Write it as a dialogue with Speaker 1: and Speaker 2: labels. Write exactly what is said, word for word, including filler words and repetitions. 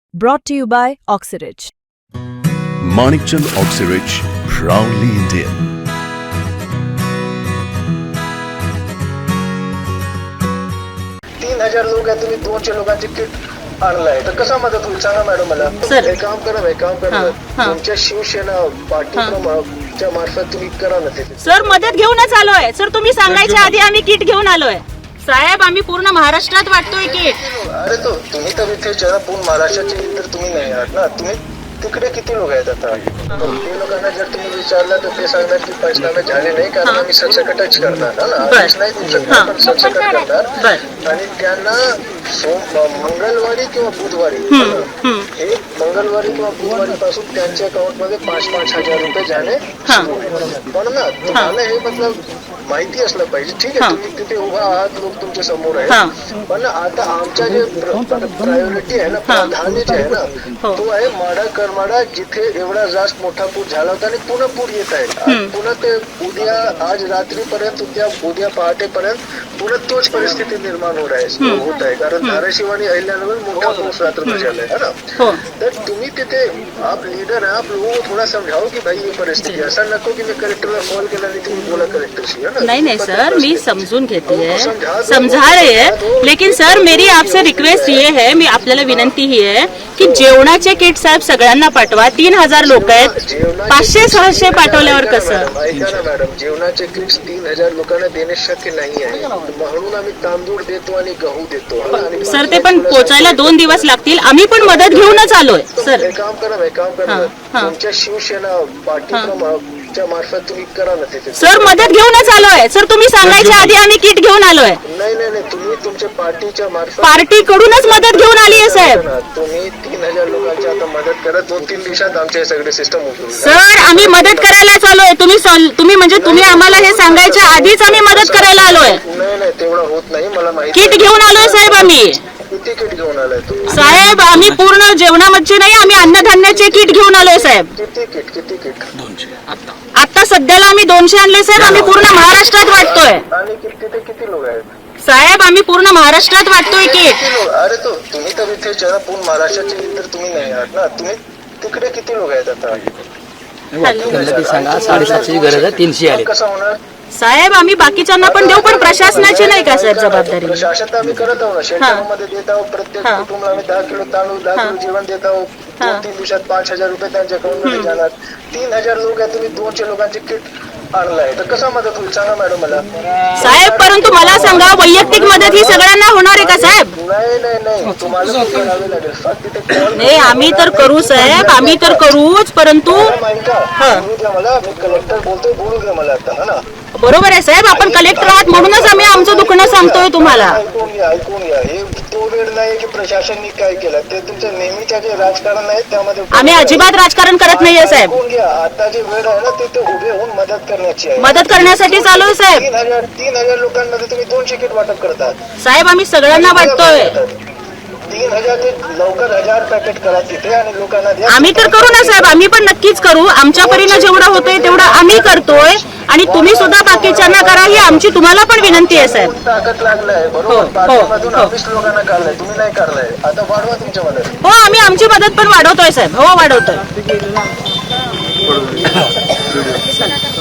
Speaker 1: Brought to you by Oxyrich.
Speaker 2: Manikchand Oxyrich, proudly Indian.
Speaker 3: तीन हजार लोक आहे, तुम्ही दोनशे लोकांची किट आणलाय तर कसा मदत होईल सांगा मॅडम मला.
Speaker 4: सर.
Speaker 3: एक काम करा एक काम करा तुमच्या शिवसेना पार्टीच्या मार्फत तुम्ही करा ना ते.
Speaker 4: सर मदत घेऊनच आलोय सर, तुम्ही सांगायच्या आधी आम्ही किट घेऊन आलोय साहेब. आम्ही पूर्ण महाराष्ट्रात वाटतोय किट.
Speaker 3: अरे तो तुम्ही तर इथे जरा पूर्ण महाराष्ट्राचे तर तुम्ही नाही आहात ना. तुम्ही तिकडे किती लोक आहेत आता. ते लोकांना जर तुम्ही विचारलं तर ते सांगणार की पंचनामे झाले नाही कारण आम्ही सरसकटच करणार ना. आदेश नाही देऊ शकणार पण सरसकट करणार आणि त्यांना मंगळवारी किंवा बुधवारी हे मंगळवारी किंवा बुधवारी पासून त्यांच्या अकाउंट मध्ये पाच पाच हजार रुपये जाणे सुरू होईल. पण ना तुम्हाला हे मतलब माहिती असलं पाहिजे. ठीक आहे तुम्ही तिथे उभा आहात, लोक तुमच्या समोर आहेत, पण आता आमच्या जे प्रायोरिटी आहे ना, प्राधान्य जे आहे ना तो आहे माडा करमाडा जिथे एवढा जास्त मोठा पूर झाला होता आणि पुन्हा पूर येत आहे. पुन्हा ते उद्या आज रात्रीपर्यंत उद्या उद्या पहाटेपर्यंत पुन्हा तोच परिस्थिती निर्माण होत आहे होत आहे कारण धाराशिव आणि अहिल्यानगर मोठा पाऊस रात्र झालाय है ना. तर तुम्ही तिथे आप लीडर आहे, आप लोगों को थोड़ा समझाओ की भाई ये परिस्थिती असा नको की मी कलेक्टरला कॉल केला आणि तुम्ही बोला कलेक्टरशी है ना.
Speaker 4: नहीं नहीं सर, मी समझून घेती है, समझा रहे हैं, लेकिन सर मेरी आपसे रिक्वेस्ट ये है, मी आपल्याला विनंती ही आहे की जेवणाचे किट साहेब सगळ्यांना पाठवा. तीन हजार लोक आहेत, पाचशे सहाशे पाठवल्यावर कसं.
Speaker 3: ऐका ना मॅडम, जेवणाचे किट्स तीन हजार लोकांना देणे शक्य नाही आहे म्हणून आम्ही तांदूळ देतो आणि गहू देतो.
Speaker 4: सर ते पण पोचायला दोन दिवस लागतील. आम्ही पण मदत घेऊनच आलोय सर.
Speaker 3: एक काम करा एक काम करा तुमच्या शिवसेना पार्टीच्या मार्फत तुम्ही करा ना तिथे.
Speaker 4: सर मदत घेऊनच आलोय सर, तुम्ही सांगायच्या आधी आम्ही किट घेऊन आलोय.
Speaker 3: नाही नाही नाही तुम्ही तुमच्या पार्टीच्या मार्फत
Speaker 4: पार्टी कडूनच मदत घेऊन आली आहे साहेब.
Speaker 3: तुम्ही तीन हजार लोकांची आता मदत करा. दोन तीन दिवसात आमचे सगळे सिस्टम उघडून
Speaker 4: सर आम्ही मदत करायलाच आलोय. तुम्ही तुम्ही म्हणजे तुम्ही आम्हाला हे सांगायच्या आधीच आम्ही मदत करायला आलोय.
Speaker 3: नाही नाही तेवढं होत नाही मला माहिती.
Speaker 4: किट घेऊन आलोय साहेब आम्ही.
Speaker 3: किती किट घेऊन आलाय तुम्ही
Speaker 4: साहेब. आम्ही पूर्ण जेवणामध्ये नाही, आम्ही अन्नधान्याचे किट घेऊन आलोय साहेब.
Speaker 3: किती किट किती किट
Speaker 4: आता सध्याला आम्ही दोनशे आणले साहेब. आम्ही पूर्ण महाराष्ट्रात वाटतोय
Speaker 3: आणि तिथे किती लोक आहेत
Speaker 4: साहेब. आम्ही पूर्ण महाराष्ट्रात वाटतोय किट.
Speaker 3: अरे तो तुम्ही तर इथे जरा पूर्ण महाराष्ट्राचे तर तुम्ही नाही आहात ना. तुम्ही तिकडे किती लोक आहेत आता.
Speaker 5: सांगा साडेसातशे गरज आहे, तीनशे आले.
Speaker 3: कसं होणार
Speaker 4: साहेब. आम्ही बाकीच्यांना पण देऊ पण प्रशासनाची नाही का साहेब जबाबदारी.
Speaker 3: प्रशासन आम्ही करत आहोत ना. शेतकऱ्यांमध्ये देत आहोत. प्रत्येक कुटुंबाला आम्ही दहा किलो तांदूळ दहा किलो जेवण देत आहोत. दोन तीन दिवसात पाच हजार रुपये त्यांच्या अकाउंट मध्ये जाणार. तीन हजार लोक आहे, तुम्ही दोनशे लोकांची किट आणलाय तर कसा मदत होईल सांगा मॅडम मला.
Speaker 4: साहेब परंतु मला सांगा वैयक्तिक मदत ही सगळ्यांना होणार आहे का साहेब.
Speaker 3: नाही नाही नाही तुम्हाला करावे लागेल. फक्त तिथे call
Speaker 4: नाही आम्ही तर करू साहेब, आम्ही तर करूच, परंतु
Speaker 3: बोलू द्या मला. मी कलेक्टर बोलतोय, बोलू द्या मला आता है ना.
Speaker 4: बरोबर आहे साहेब. आपण कलेक्टर आहात म्हणूनच आम्ही आमचं दुखणं सांगतोय तुम्हाला.
Speaker 3: ऐकून घ्या ऐकून घ्या. हे तो वेळ नाही की प्रशासनाने काय केलं ते तुमच्या नेहमीच्या जे राजकारण आहे त्यामध्ये
Speaker 4: आम्ही अजिबात राजकारण करत नाहीये साहेब.
Speaker 3: ऐकून घ्या. आता जे वेळ आहे ना ते ते उभे होऊन मदत करण्याची आहे.
Speaker 4: मदत करण्यासाठी चालू आहे साहेब.
Speaker 3: तीन हजार तीन हजार लोकांमध्ये तुम्ही दोनशे किट वाटप करतात
Speaker 4: साहेब. आम्ही सगळ्यांना वाटतोय.
Speaker 3: तीन हजार ते लवकर हजार पॅकेट करा तिथे आणि लोकांना द्या.
Speaker 4: आम्ही तर करू ना साहेब, आम्ही पण नक्कीच करू. आमच्या परीनं जेवढं होतंय तेवढं आम्ही करतोय आणि तुम्ही सुद्धा बाकीच्यांना करा ही आमची तुम्हाला पण विनंती आहे साहेब.
Speaker 3: ताकद लागलाय बरोबर. पाठीमधून ऑफिस लोकांना काढलाय, तुम्ही नाही काढलाय. आता वाढवा तुमच्या मदत.
Speaker 4: हो आम्ही आमची मदत पण वाढवतोय साहेब. हो वाढवतोय.